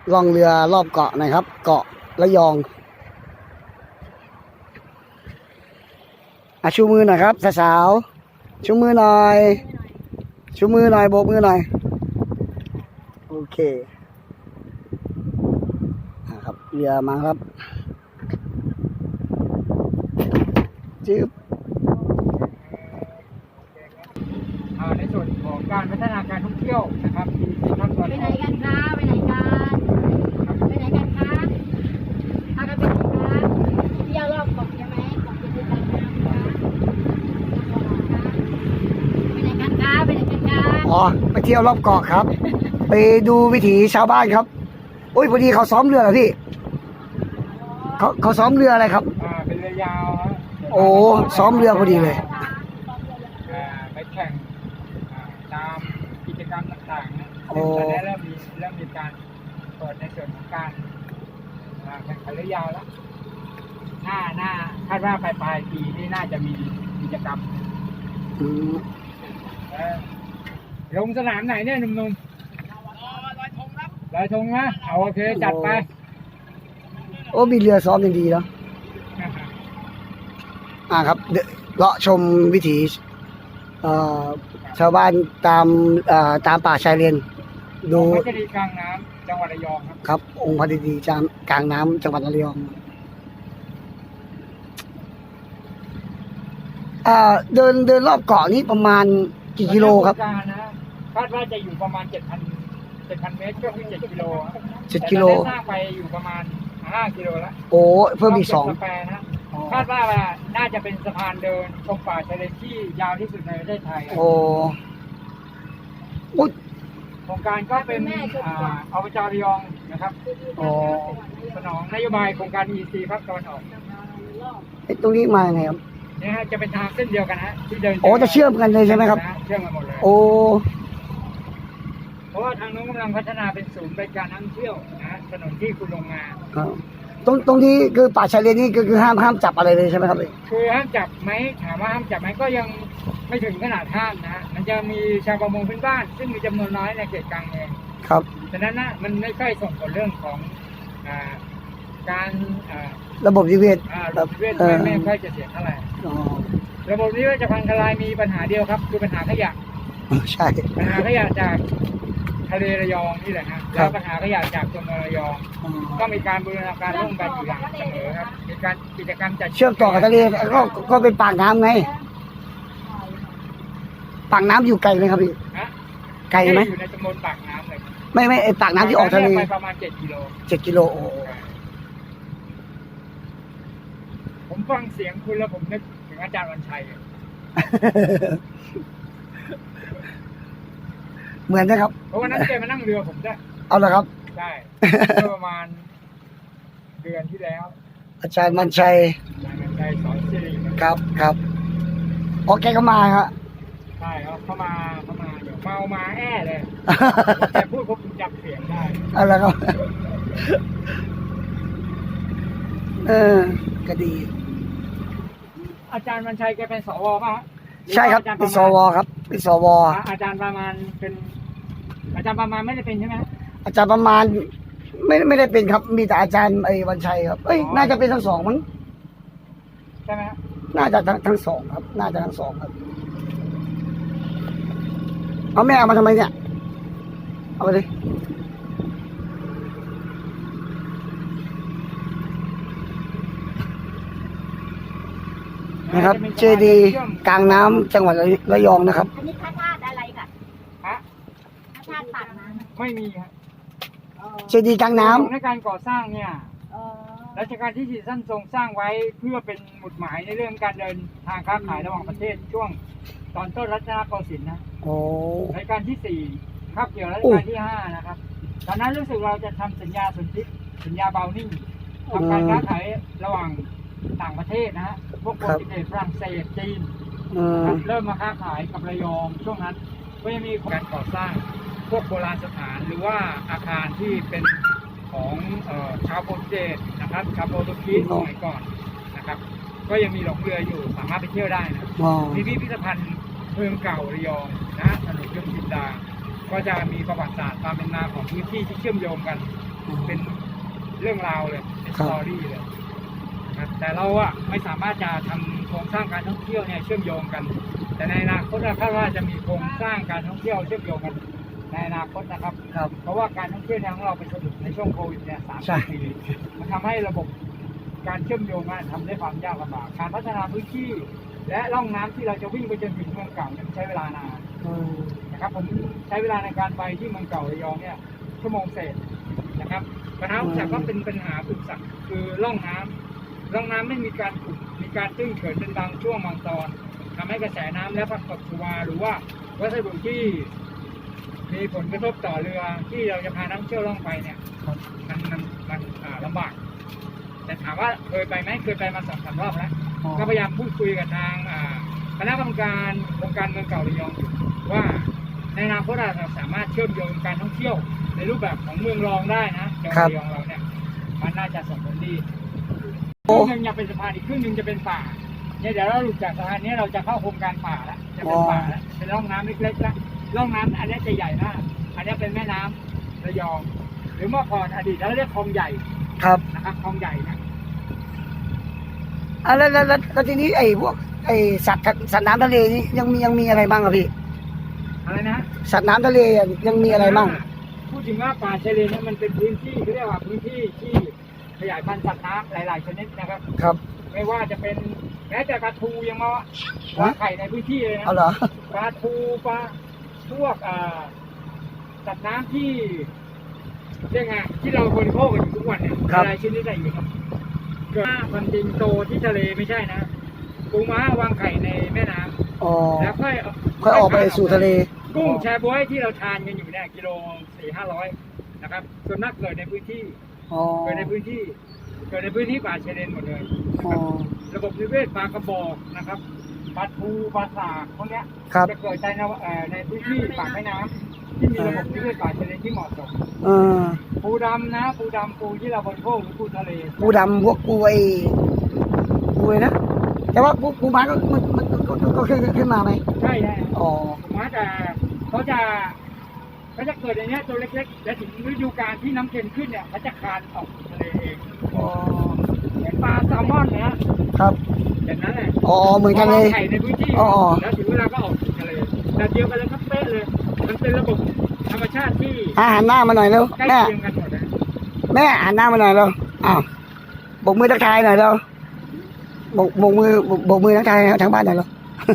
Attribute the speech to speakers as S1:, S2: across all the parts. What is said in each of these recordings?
S1: ล่องเรือรอบเกาะนะครับ เกาะระยองชูมือหน่อยครับสาวๆชูมือหน่อยชูมือหน่อยโบกมือหน่อยโอเคครับเรือมาครับจิ๊บ
S2: ในส่วนของการพัฒนาการท่องเที่ยวนะครับทางส่วน
S3: ไปไหนกันคะไปไหนกันไปไหนกันคะพากันไปไหนคะเที่ยวรอบเกาะใช่ไหมเกาะเป็นการน้ำคะไปไหนกันคะไปไหนกันคะ
S1: อ๋อไปเที่ยวรอบเกาะครับ ไปดูวิถีชาวบ้านครับโอ้ยพอดีเขาซ้อมเรือเหรอพี่เขาซ้อมเรืออะไรครับ
S2: เป็นเรือยาวครับ
S1: โอ้ซ้อมเรือพอดีเลย
S2: ไปแข่งตามกิจกรรมต่างๆนะตอนนี้เริ่มมีการเปิดในส่วนของการแข่งขันเรือยาวแล้วหน้าคาดว่าปลายปีนี้น่าจะมีกิจกรรมลงสนามไหนเนี่ยหนุ่มๆลอยธงครับลอยธงนะเอาโอเคจัดไป
S1: โอ้มีเรือซ้อมอย่างดีเนาะครับเลาะชมวิถีชาวบ้านตามป่าชายเลนดู
S2: องค์พระเจดีย์กลางน้ำจังหวัดระยอง
S1: ครับองค์พระเจดีย์กลางน้ำจังหวัดระยองเดินรอบเกาะนี้ประมาณกี่กิโลครับ
S2: คาดว่าจะอยู่ประมาณ7,000 เมตรก็คือ7 กิโล
S1: 7 กิโล
S2: สร้างไปอยู่ประมาณ5 กิโลแล้ว
S1: โอ้เพิ่มอีก2
S2: นะคาดว่าน่าจะเป็นสะพานเดินชมป่าชายเลนที่ยาวที่สุดในประเทศไทย
S1: โอ้
S2: โครงการก็เป็นอบจ.ระยองนะครับสนองนโยบายโครงการ EC ภาคตะวันออก
S1: ตรงนี้มาไงครับ
S2: นี่ฮะจะเป็นทางเส้นเดียวกันฮะที่เดิน
S1: โอ้จะเชื่อมกันเลยใช่ไหมครับ
S2: เชื่อมกันหมดเลย
S1: โอ้
S2: เพราะว่าทางนู้นกำลังพัฒนาเป็นศูนย์บริการนักท่องเที่ยวนะถนนที่คุณลงมา
S1: ตรงนี้คือป่าชายเลนนี่คือห้ามจับอะไรเลยใช่ไหมครับ
S2: คือห้ามจับไหมถามว่าห้ามจับไหมก็ยังไม่ถึงขนาดห้ามนะมันจะมีชาวประมงพื้นบ้านซึ่งมีจำนวนน้อยในเขตกลางเมือง
S1: ครับ
S2: ฉะนั้นนะมันไม่ค่อยส่งผลเรื่องของการ
S1: ระบบนิเวศ
S2: ระบบนิเวศไม่ค่อยจะเสียเท่าไหร่ระบบนิเวศจะพังทลายมีปัญหาเดียวครับคือปัญหาขยะ
S1: ใช่
S2: ปัญหาขยะจากทะเลระยองนี่แหละฮะแล้วปัญหาขยะจากตัวเมืองระยองก็มีการบูรณาการร่วมกันอยู่อย่างเสมอครับมีการกิจกรรมจัด
S1: เชื่อมต่อกับทะเลก็เป็นปากน้ำไงปากน้ำอยู่ไกลไหมครับพี่ไกลไหม
S2: อยู่ในตำบลปากน้ำเลย
S1: ไม่ไอปากน้ำที่ออกทะเล
S2: ไปประมาณ7 กิโล
S1: 7 กิโลโอ้
S2: ผมฟังเสียงคุณแล้วผมนึกถึงอาจารย์วันชัย
S1: เหมือนนะครับ
S2: เพราะวันนั้นแกมานั่งเรือผมได้
S1: เอาละครับ
S2: ใช่ประมาณเดือนที่แล้ว
S1: อาจารย์มันชัย
S2: สอนศิริ
S1: ครับโอเคก็มาครับ
S2: ใช่ครับเข้ามาเดี๋ยวเมาแอ่เลยแกพูดผมจับเสียงได้
S1: เอาละครับก็ดี
S2: อาจารย์วันชัยแกเป็นสวป่ะ
S1: ใช่ครับเป็นสวครับเป็นสว
S2: อาจารย์ประมาณเป็นอาจารย์ประมาณไม่ได้เป็นใช่ไหม
S1: อาจารย์ประมาณไม่ได้เป็นครับมีแต่อาจารย์วันชัยครับน่าจะเป็นทั้งสองมั้ง
S2: ใช่ไหม
S1: น่าจะทั้งสองครับน่าจะทั้งสองครับเอาแม่เอามาทำไมเนี่ยเอาไปเลยนะครับเจดีย์กลางน้ำจังหวัดระยองนะครับ
S3: อันนี้พระธาตุอะไรค่ะพระธาตุปากน้ำ
S2: ไม่มีครับ
S1: เจดีย์กลางน้ำ
S2: ในการก่อสร้างเนี่ยรัชกาลที่4ท่านทรงสร้างไว้เพื่อเป็นหมุดหมายในเรื่องการเดินทางค้าขายระหว่างประเทศช่วงตอนต้นรัชกาลโกสินทร์นะรัชกาลที่4คาบเกี่ยวรัชกาลที่5นะครับตอนนั้นรู้สึกเราจะทำสัญญาสนธิสัญญาเบานิ่งทำการค้าขายระหว่างต่างประเทศนะฮะพวกโปรตุเกสฝรั่งเศสจีนเริ่มมาค้าขายกับระยองช่วงนั้นก็จะมีการก่อสร้างพวกโบราณสถานหรือว่าอาคารที่เป็นของชาวโปรตุเกสนะครับชาวโปรตุเกสสมัยก่อนนะครับก็ยังมีหลงเรืออยู่สามารถไปเที่ยวได้นะมีพิพิธภัณฑ์เมืองเก่าระยองนะถนนยมจินดาก็จะมีประวัติศาสตร์ความเป็นมาของพื้นที่ที่เชื่อมโยงกันเป็นเรื่องราวเลยเป็นสตอรี่เลยนะครับแต่เราอะไม่สามารถจะทำโครงสร้างการท่องเที่ยวเนี่ยเชื่อมโยงกัน แต่ในอนาคตคาดว่าจะมีโครงสร้างการท่องเที่ยวเชื่อมโยงกันในอนาคตนะครับ
S1: ครับ
S2: เพราะว่าการท่องเที่ยวเนี่ยของเราเป็นสะดุดในช่วงโควิดเนี่ย
S1: ใช่
S2: 3 ปีมันทำให้ระบบการเชื่อมโยงทำได้ความยากลำบากการพัฒนาพื้นที่ และร่องน้ำที่เราจะวิ่งไปจนถึงเมืองเก่าใช้เวลานานนะครับผมใช้เวลาในการไปที่เมืองเก่าระยองเนี่ยชั่วโมงเศษนะครับปัญหาอุปสรรคก็เป็นปัญหาอุปสรรคคือร่องน้ำไม่มีการขุดมีการตื้นเขินเป็นบางช่วงบางตอนทำให้กระแสน้ำและพัดตกชวาหรือว่าวัสดุที่มีผลกระทบต่อเรือที่เราจะพานักท่องเที่ยวล่องไปเนี่ยมันลำบากแต่ถามว่าเคยไปไหมเคยไปมา2-3 รอบแล้วก็พยายามพูดคุยกับทางคณะกรรมการโครงการเมืองเก่าระยองว่าในอนาคตเราสามารถเชื่อมโยงการท่องเที่ยวในรูปแบบของเมืองรองได้นะจังหวัดระยองเราเนี่ยมันน่าจะส่งผลดีครึ่งหนึ่งจะเป็นสะพานอีกครึ่งหนึ่งจะเป็นป่าเนี่ยเดี๋ยวเราหลุดจากสะพานนี้เราจะเข้าโครงการป่าแล้วจะเป็นป่าแล้วเป็นร่องน้ำเล็กๆแล้วร่องน้ำอันนี้จะใหญ่มากอันนี้เป็นแม่น้ำระยองหรือเมื่อก่อนอดีตเราเรียกคลองใหญ่
S1: ครับ
S2: นะครับคลองใหญ่นะ
S1: แล้วทีนี้ไอ้พวกไอ้สัตว์น้ำทะเลนี่ยังมีอะไรบ้างครับพี่
S2: อะไรนะ
S1: สัตว์น้ำทะเลยังมีอะไรบ้าง
S2: พูดถึงว่าป่าชายเลนนั้นมันเป็นพื้นที่เขาเรียกว่าพื้นที่ที่ขยายพันธุ์สัตว์น้ำหลายๆชนิดนะครับ
S1: ครับ
S2: ไม่ว่าจะเป็นแม้แต่ปลาทูยังมาวางไข่ในพื้นที่เลยนะ
S1: เอาเหรอ
S2: ปลาทูปลาพวกสัตว์น้ำที่เรียกไงที่เราบริโภคกันอยู่ทุกวันเนี่ยหลายชนิดอะไรอยู่ครับเกิดพันธุ์ดินโตที่ทะเลไม่ใช่นะปูม้าวางไข่ในแม่น้ำแล้วค่อย
S1: ออกไปสู่ทะเล
S2: กุ้งแชบ๊วยที่เราทานกันอยู่เนี่ยกิโล400-500นะครับส่วนมากเกิดในพื้นที่เกิดในพื้นที่ป่าชายเลนหมดเลยระบบนิเวศปลากระบอกนะครับปลาทูปลาสากพวกนี้จะเกิดในพื้นที่ปากแม่น้ำที่มีระบบนิเวศป่าชายเลนที่เหมาะสมปูดำนะปูดำปูที่เราบริโภคหรือปูทะเล
S1: ปูดำพวกปูนะแต่ว่าปูม้าก็ขึ้นมาไหม
S2: ใช่ปูม้าแต่เขาจะเกิดในนี้ตัวเล็กๆและถึงฤดูกาลที่น้ำเค็มขึ้นเนี่ยเขาจะคลานออกทะเลเองเหมือนปลาแซลมอนนะครับอย่างนั้นแหละ
S1: เหมือนกันเลย
S2: ไข่ในพื้นที่แล้วถึงเวลาก็ออกทะเลแต่เดียวกันเลยครับเป๊ะเลยมันเป็นระบบธรรมชาติที่
S1: หันหน้ามาหน่อยเร็วแม่แม่หันหน้ามาหน่อยเร็วบกมือทักทายหน่อยเร็วบกมือทักทายทางบ้านหน่อยเร็ว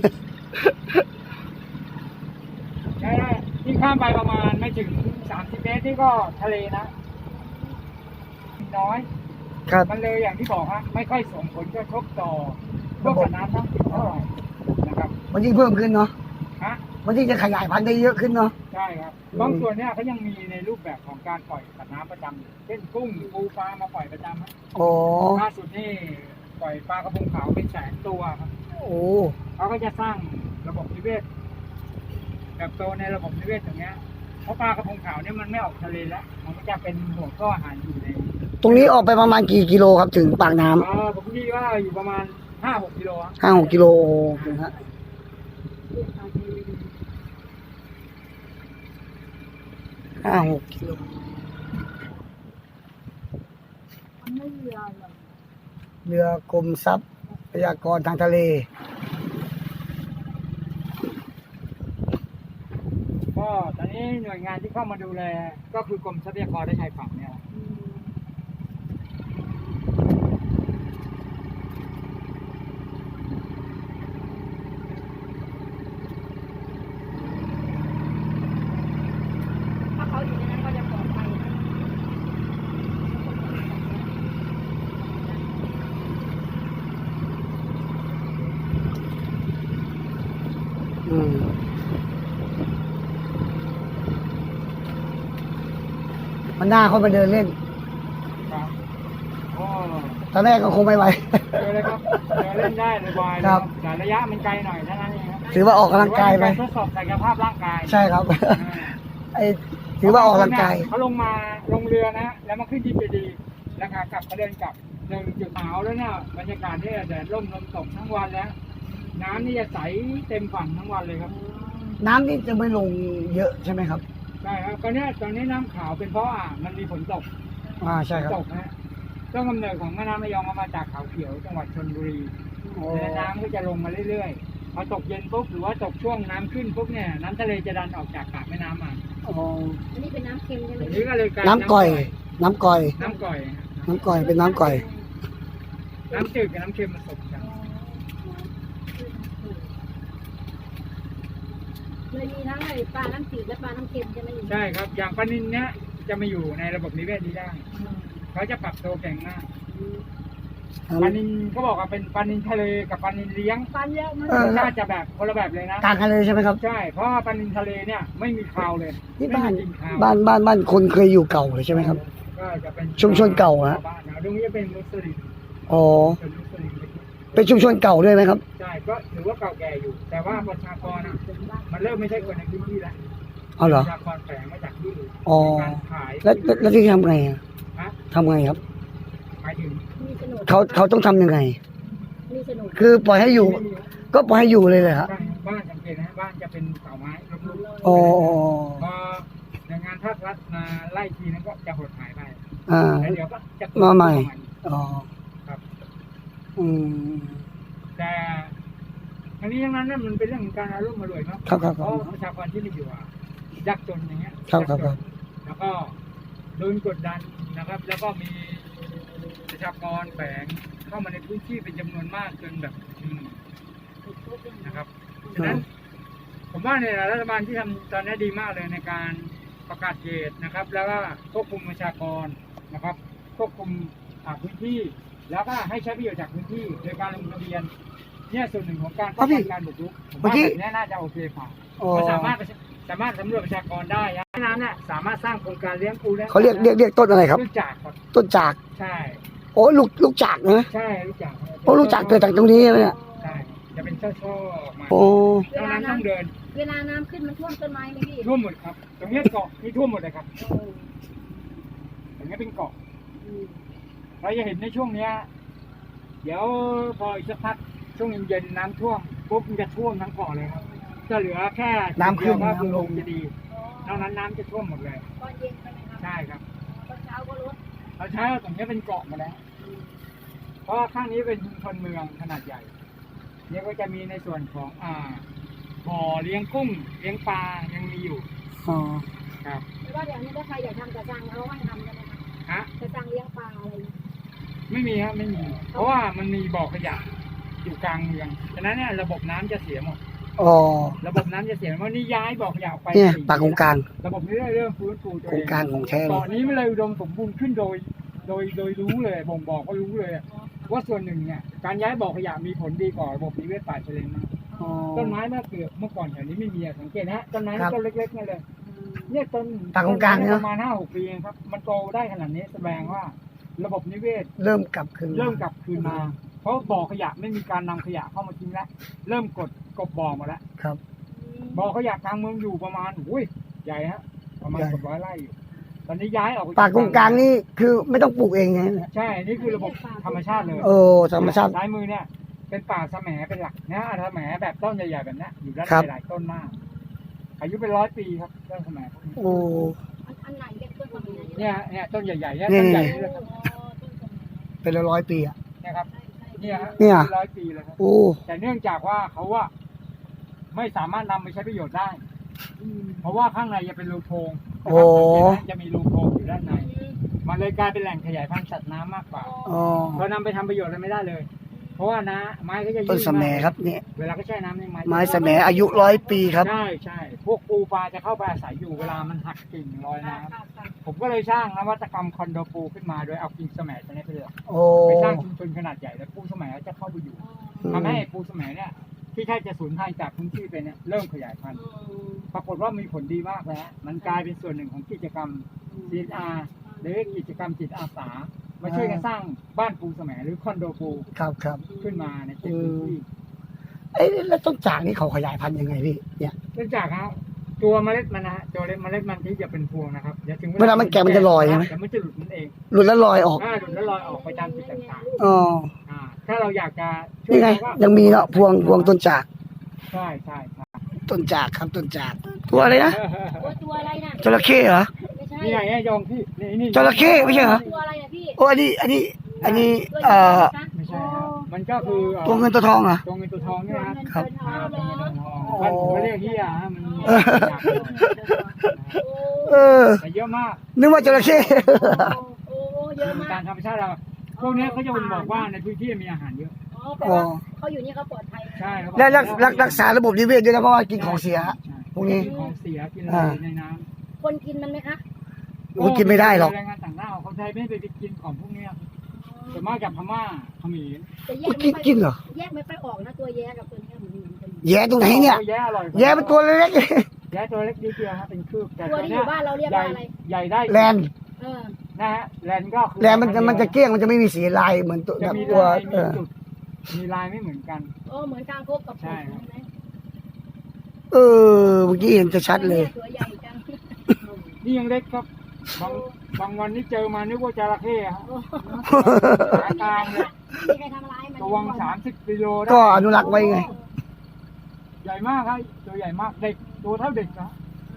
S2: ที่ข้ามไปประมาณไม่ถึง30 เมตรนี่ก็ทะเลนะน้อยมันเลยอย่างที่บอกฮะไม่ค่อยส่งผลกระทบต่อพวกสัตว์น้ำทั้งสิ้นเท่าไหร่นะครับ
S1: มันยิ่งเพิ่มขึ้นเนาะมันยิ่งจะขยายพันธุ์ได้เยอะขึ้นเนาะ
S2: ใช่ครับบางส่วนเนี่ยเขายังมีในรูปแบบของการปล่อยสัตว์น้ำประจำเช่นกุ้งปูปลามาปล่อยประจำล่าสุดนี่ปล่อยปลากระพงขาวเป็น100,000 ตัวครับเขาก็จะสร้างระบบนิเวศแบบโตในระบบนิเวศตรงนี้เพราะปลากระพงขาวเนี่ยมันไม่ออกทะเลแล้วมันก็จะเป็นหัวข้ออาหารอยู่ใน
S1: ตรงนี้ออกไปประมาณกี่กิโลครับถึงปากน้ำ
S2: ผมคิดว่าอยู่ประมาณ5-6 กิโล
S1: 5-6 กิโลถึงฮะ5-6 กิโลเรือกรมทรัพยากรทางทะเล
S2: ก็ตอนนี้หน่วยงานที่เข้ามาดูแลก็คือกรมทรัพยากรและชายฝั่งเนี่ย
S3: ถ้าเขาอยู่ในนั้นก็จะปลอดภัย
S1: มันหน้าเขาไปเดินเล่นตอนแรกก็คงไม่ไหว
S2: เลยครับเดินเล่นได้เลยบอยครับแต่ระยะมันไกลหน่อยเท่านั้นเองครับ
S1: ถือว่าออกกำลังกายไป
S2: ทดสอบศักยภาพร่างกาย
S1: ใช่ครับถือว่าออกกำลังกาย
S2: เขาลงเรือนะแล้วมาขึ้นที่ปีดีแล้วขากลับเขาเดินกลับ1 หนาวแล้วเนี่ยบรรยากาศที่แดดร่มลมตกทั้งวันแล้วน้ำนี่จะใสเต็มฝั่งทั้งวันเลยครับ
S1: น้ำนี่จะไม่ลงเยอะใช่ไหมครับ
S2: ใช่ครับตอนนี้น้ำขาวเป็นเพราะมันมีฝนตก
S1: ใช่ครับ
S2: ตกนะต้นกำเนิดของแม่น้ำระยองมาจากเขาเขียวจังหวัดชลบุรีแล้วน้ำก็จะลงมาเรื่อยๆพอตกเย็นปุ๊บหรือว่าตกช่วงน้ำขึ้นปุ๊บเนี่ยน้ำทะเลจะดันออกจากปากแม่น้ำมา
S3: อันนี้เป็นน้ำเค็มใช่ไหม
S2: ทีนี้ก็เลยกลาย
S1: น้ำก่อย น้ำก่อย
S2: น้ำก่อย
S1: น้ำก่อยเป็นน้ำก่อย
S2: น้ำจืดกับน้ำเค็มผสมกัน
S3: เลยมีทั้งไอ้ปลาน้ำจืดและปลาน้ำเค็มใช่ไหม
S2: ใช่ครับอย่างปลานิลเนี้ยจะมาอยู่ในระบบนิเวศนี้ได้เขาจะปรับตัวเก่งมากปลานิลเขาบอกว่าเป็นปลานิลทะเลกับปลานิลเลี้ยง
S3: ปลาเยอะมาก
S1: เออ
S2: รสชาติจะแบบคนละแบบเลยนะ
S1: ต่างกันเลยใช่ไหมครับ
S2: ใช่เพราะว่าปลานิลทะเลเนี่ยไม่มีคาวเลย
S1: นี่
S2: ไม่
S1: บ้าน
S2: มีกลิ่นคาว
S1: บ้านคนเคยอยู่เก่าเลยใช่ไหมครับ
S2: ก็จะเป็น
S1: ชุมชนเก่าฮะ
S2: บ้านนะตรงนี้จะเป็นมุสลิม
S1: อ๋อ
S2: เป็นมุสลิม
S1: เป็นชุมชนเก่าด้วยไหมครับ
S2: ใช่ก็ถือว่าเก่าแก่อยู่ แต่ว่าประชากรอ่ะมันเริ่มไม่ใช่คนในพื้นที่แล้ว
S1: เอาเหรอ
S2: ประชากรแฝงมาจากที่อื่น
S1: อ๋อ
S2: ในการขาย
S1: แล้วที่ทำไงอะ
S2: ฮะ
S1: ทำไงครับ
S2: หมายถึง
S3: มีโฉนด
S1: เขาต้องทำยังไง
S3: มีโฉนด
S1: คือปล่อยให้อยู่ ก็ปล่อยให้อยู่เลยเหรอฮะ
S2: บ้านสังเกตนะบ้านจะเป็นเสาไม้ล้มๆ
S1: อ๋อ
S2: พอหน่วยงานภาครัฐมาไล่ทีนั้นก็จะหดหายไป
S1: อ่า
S2: แล้วเดี๋ยวก็จะ
S1: มาใหม่ อ๋อ
S2: ครับ
S1: อืม
S2: แต่ทั้งนี้ทั้งนั้นน่ะมันเป็นเรื่องของการอารมณ์มารวยครับ
S1: ครับครับ
S2: เพ
S1: ครับ
S2: ราะประชากรที่นี่อยู่อ่ะยากจนอย่างเงี้ย
S1: ครับครับ
S2: ยากจนแล้วก็โดนกดดันนะครับ แล้วก็มีประชากรแฝงเข้ามาในพื้นที่เป็นจำนวนมากจนแบบนะครับฉะนั้นผมว่าเนี่ยรัฐบาลที่ทำตอนนี้ดีมากเลยในการประกาศเขตนะครับ แล้วก็ควบคุมประชากรนะครับ ควบคุมพื้นที่ แล้วก็ให้ใช้ประโยชน์จากพื้นที่โดยการลงทะเบียนเนี่ยส่วนหนึ่งของการป้องกันการบุกรุกผมว่าแบบนี้น่าจะโอเคกว่า
S1: อ๋อ
S2: มันสามารถสำรวจประชากรได้นะแม่น้ำเนี่ยสามารถสร้างโครงการเลี้ยงปูลี้ยง
S1: เขาเรียกต้นอะไรครับ
S2: ลูกจากครับ
S1: ต้นจาก
S2: ใช่
S1: โอ้ลูกจากนะ
S2: ใช่ลูกจาก
S1: โอ้ลูกจากเกิดจากตรงนี้ใช่ไหมเนี่ย
S2: ใช่จะเป็นช่อๆออกมา
S1: โอ้
S2: เท่านั้นต้องเดิน
S3: เวลาน้ำขึ้นมันท่วมต้นไม้ไหมพี่
S2: ท่วมหมดครับ ตรงเนี้ยเกาะนี่ท่วมหมดเลยครับตรงเนี้ยเป็นเกาะเราจะเห็นในช่วงเนี้ยเดี๋ยวพออีกสักพักช่วงเย็นๆน้ำท่วมปุ๊บมันจะท่วมทั้งเกาะเลยครับจะเหลือแค่
S1: น้ำขึ้น
S2: เดียวก็คือ
S1: น้ำลง
S2: จะดีนอกนั้นน้ำจะท่วมหมดเลย
S3: ตอนเย็นใช่ไหมครับ
S2: ใช่ครับ
S3: ตอนเช้าก็ลด
S2: เราใช้ตรงนี้เป็นเกาะมาแล้ว เพราะว่าข้างนี้เป็นชุมชนเมืองขนาดใหญ่เนี่ยก็จะมีในส่วนของบ่อเลี้ยงกุ้งเลี้ยงปลายังมีอยู่
S1: อ๋อ
S2: ครับ
S3: แต่ว่าเดี๋ยวนี้ถ้าใครอยากทำกระชังเขาให้ทำกันนะคะ
S2: ฮะ
S3: กระชังเลี้ยงปลาอะไรอย่างเงี้ย
S2: ไม่มีครับไม่มี เพราะว่ามันมีบ่อขยะอยู่กลางเมืองฉะนั้นเนี่ยระบบน้ำจะเสียหมด
S1: อ๋อ
S2: ระบบน้ำจะเสียเพราะนี่ย้ายบ่อขยะออกไป
S1: เนี่ย
S2: 4
S1: ปากโครงกลาง
S2: ระบบนี้เริ่มฟื้นฟูตัว
S1: โคร
S2: เอง ง
S1: กลางของแท้เลย
S2: เกาะนี้มันเลยอุดมสมบูรณ์ขึ้นโดยรู้เลยบ่งบอกก็รู้เลย ว่าส่วนหนึ่งเนี่ยการย้ายบ่อขยะมีผลดีต่อระบบนิเวศป่าชายเลนมาก
S1: อ๋อ
S2: ต้นไม้เมื่อก่อนแถวนี้ไม่มีอะสังเกตนะฮะต้นไม้
S1: ครับ
S2: ต้นเล็กๆนั่นเลยเนี่ยต้น
S1: ปากกงกลางเนี่ย
S2: ประมาณ5-6 ปีเองครับ มันโตได้ขนาดนี้แสดงว่าระบบนิเวศ
S1: เริ่มกลับคืน
S2: เริ่มกลับคืนมา เพราะบ่อขยะไม่มีการนำขยะเข้ามาทิ้งแล้วเริ่มกบบ่อมาแล้ว
S1: ครับ
S2: บ่อขยะกลางเมืองอยู่ประมาณอุ้ยใหญ่ฮะประมาณ
S1: ใหญ่
S2: เกือบ100 ไร่อยู่ตอนนี้ย้ายออก
S1: ปากโครงกลางนี่คือไม่ต้องปลูกเองนะเนี่ย
S2: ใช่นี่คือระบบธรรมชาติเลย
S1: โอ้ธรรมชาติ
S2: ซ้ายมือเนี่ยเป็นป่าแสมเป็นหลักนะแสมแบบต้นใหญ่ๆแบบนี้อยู่ด้าน
S1: ครับ
S2: ในหลายต้นมาก อายุเป็น100 ปีครับต้นแสมพวกนี้
S1: โอ้
S3: อันไหนเป็นต้นสมัย
S2: เนี่ยต้นใหญ่ๆเนี่ย
S1: นี่
S2: ต้นใหญ่นี่เลยครับ
S1: เป็น100 ปีอ่ะ
S2: เนี่ยครับเนี่ยฮะ
S1: เนี่ย
S2: 100 ปีเลยครับ
S1: โอ้
S2: แต่เนื่องจากว่าเขาว่าไม่สามารถนำไปใช้ประโยชน์ได้ เพราะว่าข้างในจะเป็นรูโพรงนะครับสังเกตไหมจะมีรูโพรงอยู่ด้านใน มันเลยกลายเป็นแหล่งขยายพันธุ์สัตว์น้ำมากกว่า
S1: อ๋อ
S2: พอนำไปทำประโยชน์อะไรไม่ได้เลย เพราะว่านะไม้ก็จะ
S1: ต้น
S2: ยืด
S1: สะแหม
S2: าก
S1: ครับเนี่ย
S2: เวลาก็แช่น้ำในไม้
S1: ไม้สะแหมอายุ100 ปีครับ
S2: ใช่ใช่พวกปูปลาจะเข้าไปอาศัยอยู่เวลามันหักกิ่งลอยน้ำผมก็เลยสร้างนวัตกรรมคอนโดปูขึ้นมาโดยเอากิ่งสะแหมตัวนี้ไปเลย
S1: โอ้
S2: ไปสร้างชุมชนขนาดใหญ่แล้วปูสะแหมจะเข้าไปอยู่ ทำให้ปูสะแหมเนี่ยที่แค่จะสูญพันธุ์จากพื้นที่ไปเนี่ยเริ่มขยายพันธุ์ปรากฏว่ามีผลดีมากเลยฮะมันกลายเป็นส่วนหนึ่งของกิจกรรม CSR หรือกิจกรรมจิตอาสามาช่วยกันสร้างบ้านปูสะแหมหรือคอนโดปู
S1: ครับครับ
S2: ขึ้นมาในเขตพื้นที่
S1: เอ้ยแล้วต้นจากนี่เขาขยายพันธุ์ยังไงพี่เนี่ย
S2: เนื่องจากครับตัวเมล็ดมันนะฮะตัวเมล็ดมันที่จะเป็นพวงนะครับเดี๋ยวถึง
S1: เวลามันแก่มันจะลอยใช่ไหม
S2: แต่มันจะหลุดมันเอง
S1: หลุดแล้วลอยออก
S2: หลุดแล้วลอยออกไปตามจุดต่าง
S1: อ๋อ
S2: ๆถ้าเราอยากจะช่วย
S1: นี่ไง
S2: ก็
S1: ยังมีเนาะพวงต้นจาก
S2: ใช่ใช่ใช่
S1: ต้นจากครับต้นจากตัวอะไรนะ
S3: ตัวอะไรน่ะ
S1: จระเข้เหรอ
S3: ไม่ใช่
S2: นี่ไงยองพี่นี่
S1: จระเข้ไม่ใช่เหรอ
S3: ตัวอะไรอะพี่
S1: โอ้อันนี้
S3: ตัวใหญ่ไหมคะ
S2: ไม่ใช่ครับมันก็คือ
S1: ตัวเงินตัวทองเหรอ
S2: ตัวเงินตัวทองเนี่ยนะ
S1: ครับ
S3: ตัวเงินตัวทองเหรอ
S2: บ้านผมก็เรียกเฮียฮะมัน
S1: เออ
S2: แต่เยอะมาก
S1: นึกว่าจระเข้
S3: โอ้เยอะมาก
S2: การธรรมชาติเราพวกนี้เขาจะบอกว่าในพื้นที่มีอาหารเยอะ
S3: อ๋อแปลว่าเขาอยู่นี่เขาปลอดภัย
S2: ใช่ครับ
S1: และรักษาระบบนิเวศด้วยนะเพราะว่ากินของเสีย พวกนี้
S2: ของเสียกินอะไรในน้ำ
S3: คนกินมันไหมคะ
S1: โอ้กินไม่ได้หรอก
S2: แรงงานต่างด้าวคนไทยไม่ไปกินของพวกนี้ส่วนมากจากพม่าเขมร
S3: แต่แย
S1: โอ้
S3: ก
S1: กินเหรอ
S3: แยกไม่ค่อยออกนะตัวแย่กับตัวเนี้ยเหมือนกัน
S1: แย่ตรงไหนเนี่ย
S2: แย่อร่อย
S1: แย่เป็นตัวเล็ก
S2: แย่ตัวเล็กนิดเดียวครับเป็นคืบแต่
S3: ตัวที่อยู่บ้านเราเรียกว่าอะไร
S2: ใหญ่ได้
S1: แลนด์
S3: เออ
S2: นะฮะแลนก็คือ
S1: แลนด์มันจะเกลี้ยงมันจะไม่มีสีลายเหมือนตัว
S2: จะ
S1: แบบ
S2: มี
S1: ตัว
S2: ลายมีจุดมีลายไม่เหมือนกัน
S3: โอ้เหมือนกลางคบกับ
S2: ใช่ครับ
S3: ไหม
S1: เออเมื่อกี้เห็นจะชัดเลย
S3: ตัวใหญ่จัง
S2: นี่ยังเล็กครับบางวันนี่เจอมานึกว่าจระเข้ครับ
S3: โอ้
S2: ขากลางเลย
S3: มีใครทำร้ายมัน
S2: ตัวง30 กิโลได้
S1: ก็อนุรักษ์ไว้ไง
S2: ใหญ่มากครับตัวใหญ่มากเด็กตัวเท่าเด็กนะ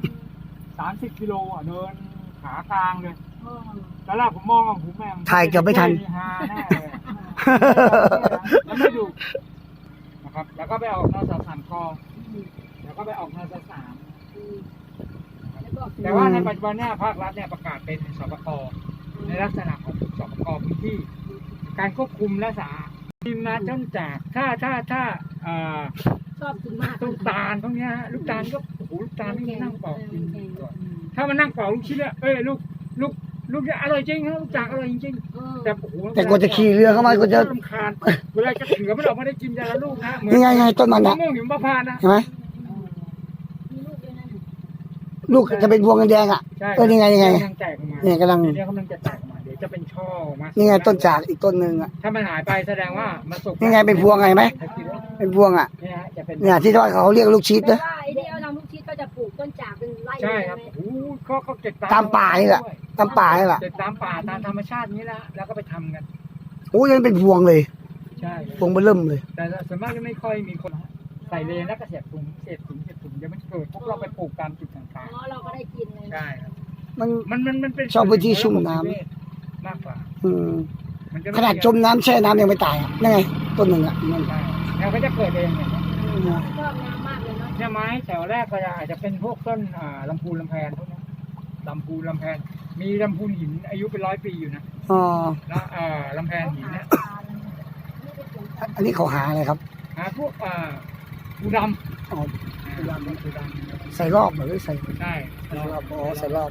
S2: 30 กิโลอ่ะเดินขากลางเลย
S3: โอ้
S2: ตอนแรกผมมองว่าผมแม่ง
S1: ถ่ายเกือบไม่ทัน
S2: ฮาแน่เลยแล้วไม่ดูนะครับแล้วก็ไปออกนสสามกอแล้วก็ไปออกนสสาม
S3: แล้วก็
S2: แต่ว่าในปัจจุบันเนี่ยภาครัฐเนี่ยประกาศเป็นสปกในลักษณะของสปกพื้นที่ การควบคุมและสาทีมมาต้นจากถ้า
S3: ชอบกินมาก
S2: ลูกตาลพวกเนี้ยฮะลูกตาลก็โอ้โหลูกตาลนี่นั่งปอกกินก่อนถ้ามันนั่งปอกลูกชิ้นเนี่ยลูกเนี่ยอร่อยจริงครับลูกจากอร่อยจริงๆแต่โอ้โห
S1: แต่กว่าจะขี่เรือเข้ามาก็จะ
S2: รำคาญเวลาจะถือมันออกมาได้กินแต่ละลูกนะเหมือน
S1: นี่ไงต้นมัน
S2: มะ
S1: นะ
S2: ม่วงหิมพานต์นะ
S1: เห็นไหม
S3: มีลูกด้วยนะ
S1: ลูกจะเป็นพวงแดงๆอ่ะ
S2: ใช่
S1: นี่ไง
S2: กำลังแตกออกมา
S1: เนี่ยกำลัง
S2: เดี๋ยวกำลังจะแตกออกมาเดี๋ยวจะเป็นช่อมา
S1: นี่ไงต้นจากอีกต้นหนึ่งอ่ะ
S2: ถ้ามันหายไปแสดงว่ามันสุก
S1: นี่ไงเป็นพวงไงไหม
S2: ถ้ากินแล้ว
S1: เป็นพวงอ่ะ
S2: เนี่ยฮะจะเป็น
S1: เนี่ยที่ว่าเขาเรียกลูกชิด
S3: แต่
S1: นะ
S3: ว่าไอ้ที่เอาทำลูกชิดก็จะปลูกต้นจากเป็นไร่
S2: ใช่ครับ
S3: ไหม
S2: โอ้โหเขาเก็บ
S1: ตามป่านี่แหละ ตามป่านี่แหละ
S2: เก็บตามป่าตามธรรมชาตินี้แหละแล้วก็ไปทำกัน
S1: โอ้ยังเป็นพวงเลย
S2: ใช่
S1: พวงเบอร์เริ่มเลย
S2: แต่ส่วนมากจะไม่ค่อยมีคนใส่เลนแล้วก็เสียบถุงเดี๋ยวมันเกิดพวกเราไปปลูกตามจุดต่าง
S3: อ๋อเราก็ได้กินเลย
S2: ๆใช่ครับ
S1: มัน
S2: มันเป็น
S1: ชอบพื้นที่ชุ่มน้ำ
S2: มากกว่า
S1: อืม
S2: มันจะ
S1: ขนาดจมน้ำแช่น้ำยังไม่ตายอ่ะนั่นไงต้นหนึ่งอ่ะนั่น
S2: ใช่แล้วก็จะเกิดเองเนี่ย
S3: ชอบน้ำมากเลยเนาะ
S2: เนี่ยไม้แถวแรกก็อาจจะเป็นพวกต้นลำพูนลำแพนพวกนี้ลำพูนลำแพนมีลำพูนหินอายุเป็น100 ปีอยู่นะ
S1: อ๋อ
S2: แล้วลำแพนหินเนี่ย
S1: อันนี้เขาหาอะไรครับ
S2: พวกปูดำ
S1: อ๋อ
S2: ปูดำ
S1: ใส่รอบหรือใส่
S2: ใช่
S1: ใส่รอบอ๋อใส่รอบ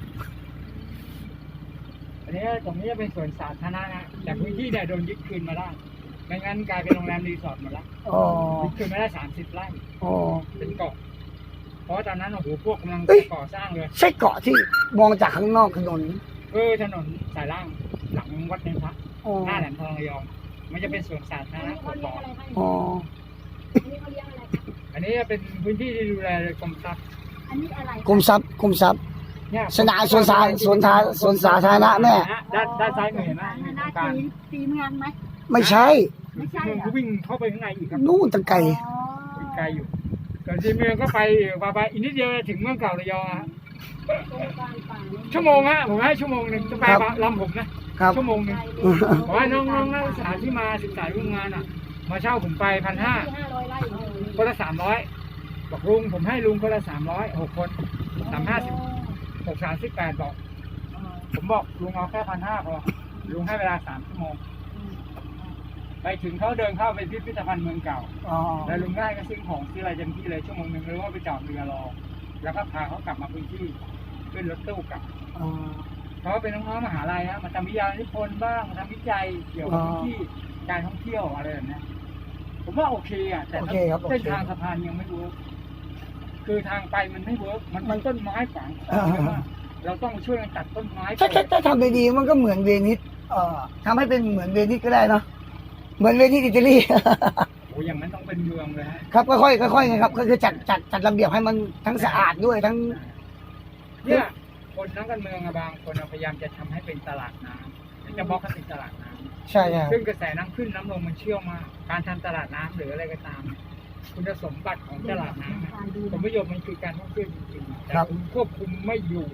S2: อันนี้ตรงนี้จะเป็นสวนสาธารณะนะแต่พื้นที่เนี่ยโดนยึดคืนมาได้ไม่งั้นกลายเป็นโรงแรมรีสอร์ทหมดละ
S1: อ๋อ
S2: ยึดคืนมาได้30 ไร่
S1: อ๋อ
S2: เป็นเกาะเพราะตอนนั้นโอ้โหพวกกำลังก่อสร้างเลย
S1: ใช่เกาะที่มองจากข้างนอกถนน
S2: ถนนสายล่างหลังวัดเนรพระ
S1: อ๋อ
S2: หน้าแหลมทองระยองมันจะเป็นสวนสาธาร
S3: อัน
S2: ณะ
S3: นี้
S2: ข
S3: เขา
S2: อง
S3: เลี้ย
S2: เกาะ
S3: งอะไรคะ
S1: อ๋อ
S3: อันนี้เขาเลี้ยงอะไรคะ
S2: อันนี้จะเป็นพื้นที่ที่ดูแลโดยกรมทรัพย์
S3: อันนี้อะไร
S1: กรมทรัพย์กรมทรัพย์
S2: เนี่ย
S1: สนามสวนสาธารณะแม่
S2: ด้านซ้ายมือเห็นไหมมีโครงการ
S3: สีเมืองไหม
S1: ไม่ใช่
S3: ไม่ใช่
S2: เมือง
S3: เหรอ
S2: ก็วิ่งเข้าไปข้างในอีกครับ
S1: นู่นตั้งไกล
S3: อ๋อ
S2: อีกไกลอยู่ก่อนที่เมืองก็ไปอีกนิดเดียวถึงเมืองเก่าระยองฮะ
S3: โครงการป่าเนี่ย
S2: ชั่วโมงฮะผมให้ชั่วโมงหนึ่งจะไปลำผมนะครับ ชั่วโมงหนึ่ง ขอให้น้องๆนักศึกษาที่มาศึกษาร่วมงานอ่ะ มาเช่าผมไป1,500
S3: 500 ไร่เลย
S2: คนละ300บอกลุงผมให้ลุงคนละ300 6 คน350 638บอกผมบอกลุงเอาแค่1,500พอลุงให้เวลา3 ชั่วโมงไปถึงเขาเดินเข้าไปพิพิธภัณฑ์เมืองเก่า
S1: อ๋อ
S2: แล้วลุงได้ก็ซื้อของซื้ออะไรเต็มที่เลยชั่วโมงหนึ่งหรือว่าไปจอดเรือรอแล้วก็พาเขากลับมาพื้นที่ขึ้นรถตู้กลับ
S1: อ๋อ
S2: เพราะว่าเป็นน้องๆมหาลัยฮะมาทำวิทยานิพนธ์บ้างมาทำวิจัยเกี่ยวกับพื้นที่การท่องเที่ยวอะไรแบบนี้ผมว่าโอเคอ่ะแต่
S1: โอเคครับโอ
S2: เส้น
S1: เค
S2: ทางสะพานยังไม่เวิร์กคือทางไปมันไม่เวิร์กมันต้นไม้ขวางทางเยอะมากเราต้องมาช่วยกันตัดต้นไม้
S1: ถ้าทำดีๆมันก็เหมือนเวนิสทำให้เป็นเหมือนเวนิสก็ได้เนาะเหมือนเวนิสอิตาลี
S2: โอ้อย่างนั้นต้องเป็นเมืองเลยฮะ
S1: ครับค่อยๆไงครับก็คือจัดระเบียบให้มันทั้งสะอาดด้วยทั้ง
S2: เนี่ยคนนักการเมืองอะบางคนพยายามจะทำให้เป็นตลาดน้ำจะบล็อกให้เป็นตลาดน้ำ
S1: ใช่ใช่
S2: ซึ่งกระแสน้ำขึ้นน้ำลงมันเชี่ยวมากการทำตลาดน้ำหรืออะไรก็ตาม คุณสมบัติของตลาดน้ำเนี่ยผลประโยชน์มันคือการท่องเที่ยวจริงๆแต่คุณควบคุมไม่อยู่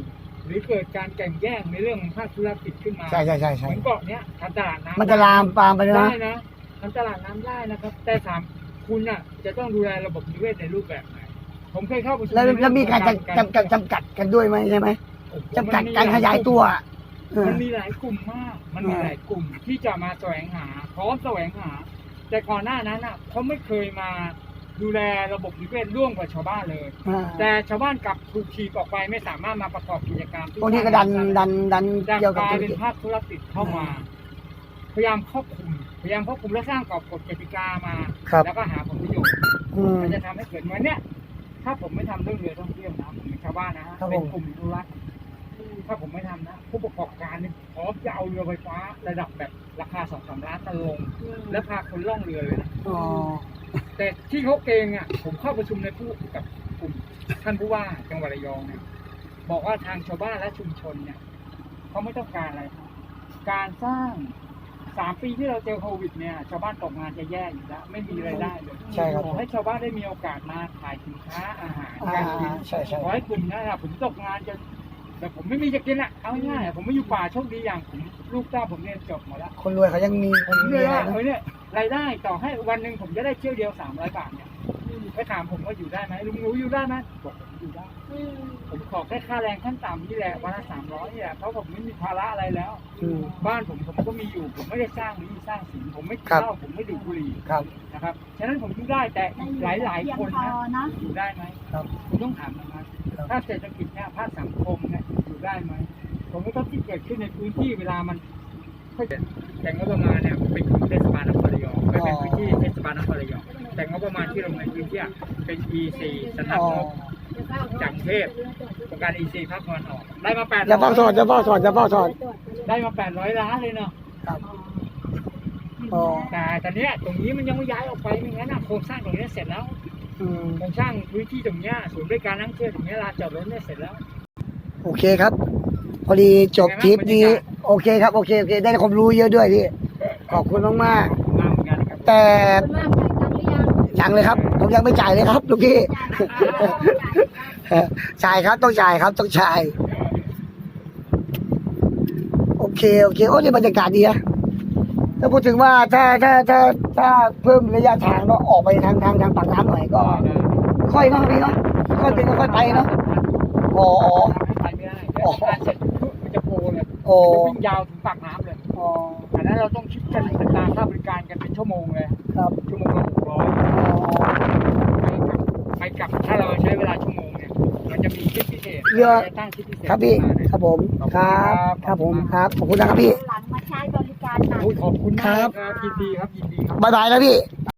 S2: หรือเกิดการแข่งแย่งในเรื่องของภาคธุรกิจขึ้นมา
S1: ใช่ใช่ใช่ใช่
S2: เหมือนเกาะเนี้ยทำตลาดน้ำ
S1: มันจะลามปามไปนะ
S2: ได้นะทำตลาดน้ำได้นะครับ แต่ถามคุณน่ะจะต้องดูแลระบบนิเวศในรูปแบบไหนผมเคยเข้าประชุม
S1: แล้วมีการจำกัดกันด้วยไหมใช่ไหมจำกัดการขยายตัวเออ
S2: มันมีหลายกลุ่มมาก มันมีหลายกลุ่มที่จะมาแสวงหาพร้อมแสวงหา แต่ก่อนหน้านั้นอ่ะเขาไม่เคยมาดูแลระบบนิเวศร่วมกับชาวบ้านเลย
S1: อ่า
S2: แต่ชาวบ้านกลับถูกถีบออกไปไม่สามารถมาประกอบกิจกรรม
S1: พวกนี้ก็ดัน
S2: ดัน
S1: เกี่ยวกับ
S2: กลาย
S1: ธุร
S2: เป็น
S1: กิจ
S2: ภาคธุรกิจเข้ามา พยายามควบคุมและสร้างกรอบกฎกติกามา
S1: ครับ
S2: แล้วก็หาผลประโยชน์
S1: อืม
S2: มันจะทำให้เกิดเหมือนเนี้ยถ้าผมไม่ทำเรื่องเรือท่องเที่ยวนะผมเป็นชาวบ้านนะฮะ
S1: ครับผม
S2: เป็นกลุ่มอนุรักษ์ถ้าผมไม่ทำนะผู้ประกอบการเนี่ยพร้อมจะเอาเรือไฟฟ้าระดับแบบราคา2-3 ล้านมาลง แล้วพาคนล่องเรือเลยนะ
S1: อ๋อ
S2: แต่ที่เขาเกรงอ่ะผมเข้าประชุมในผู้กับกลุ่มท่านผู้ว่าจังหวัดระยองเนี่ยบอกว่าทางชาวบ้านและชุมชนเนี่ยเขาไม่ต้องการอะไรครับการสร้าง3 ปีที่เราเจอโควิดเนี่ยชาวบ้านตกงานจะแย่อยู่แล้วไม่มีรายได้เลย
S1: ใช่ครับ
S2: ขอให้ชาวบ้านได้มีโอกาสมาขายสินค้าอาหาร
S1: อ่า
S2: การกิน
S1: ใช่ใช่
S2: ขอให้กลุ่มนั้นนะผมตกงานจะแต่ผมไม่มีจะกินอ่ะเอาง่ายๆผมไม่อยู่ป่าโชคดีอย่างผมลูกเต้าผมเรียนจบหมดแล้ว
S1: คนรวยเขายังมี
S2: ผมเลยว่า
S1: นะ
S2: เนี่ยรายได้ต่อให้วันหนึ่งผมจะได้เที่ยวเดียว300 บาทเนี่ยไปถามผมว่าอยู่ได้ไหมลุงรู้อยู่ได้ไหมบอกผมอยู่ได้ ผมขอแค่ค่าแรงขั้นต่ำนี่แหละวันละ300นี่แหละเพราะผมไม่มีภาระอะไรแล้ว
S1: อืม
S2: บ้านผมก็มีอยู่ผมไม่ได้สร้างหรือสร้างสินผมไม่กิน
S1: ครับ
S2: เหล้าผมไม่ดูดบุหรี่
S1: ครับ
S2: นะครับฉะนั้นผมอยู่ได้แต่อีกหลายๆคนนะอยู่ได้ไหม
S1: ครับ
S2: คุณต้องถามนะครับ
S1: ครับ
S2: ถ้าเศรษฐกิจเนี่ยภาคสังคมเนี่ยอยู่ได้ไหมผมก็ต้องที่เกิดขึ้นในพื้นที่เวลามันแต่งบประมาณเนี่ยเป็นของเทศบาลนครระยองไม่เป็นพื้นที่เทศบาลนครระยองแต่งบประมาณที่ลงในพื้นที่อะเป็น EC สำนักงบจากเทพโครงการ EC ภาคตะวันออกได้มา800
S1: อย่าเฝ้าสอดอย่าเฝ้าสอดอย่าเฝ้าสอด
S2: ได้มา800 ล้านเลยเนาะ
S1: ครับอ๋อ
S2: แต่ตอนเนี้ยตรงนี้มันยังไม่ย้ายออกไปไม่งั้นนะโครงสร้างตรงนี้เสร็จแล้ว
S1: อืม
S2: โครงสร้างพื้นที่ตรงเนี้ยศูนย์บริการนักท่องเที่ยวตรงเนี้ยลานจอดรถเนี่ยเสร็จแล้ว
S1: โอเคครับ พอดีจบทริปนี้ โอเคครับ โอเคได้ความรู้เยอะด้วยพี่ ขอบคุณมาก
S2: มากเหมือนกันครับ
S1: ๆแต่
S3: คุณมากจ่ายตังค์หรือยัง
S1: ยังเลยครับ ผมยังไม่จ่ายเลยครับลูกพี่ จ่ายครับต้องจ่ายครับต้องจ่าย โอเคโอ้นี่บรรยากาศดีนะถ้าพูดถึงว่าถ้าเพิ่มระยะทางเนาะออกไปทางปากน้ำหน่อยก็ ค่อยเนาะพี่เนาะค่อยเป็นค่อยไปเนาะอ๋อ
S2: ไปไม่ได้เดี๋ยวงานเสร็จปุ๊บมันจะโผล่เลย
S1: โอ้
S2: จะวิ่งยาวถึงปากน้ำเลย
S1: อ๋อ
S2: อันนั้นเราต้องคิดกันอัตราค่าบริการกันเป็นชั่วโมงเลย
S1: ครับ
S2: ชั่วโมงละ600ไปกลับถ้าเราใช้เวลาชั่วโมงเนี่ยมันจะมีคิดพิเศษจะตั้งคิดพิเศษ
S1: ครับพี่ครับผมครับผมครับขอบคุณนะครับพี่
S3: หลังมาใช้บริการหนัก
S2: ขอบคุณมากครับยินดีครับ
S1: บ๊ายบายนะพี่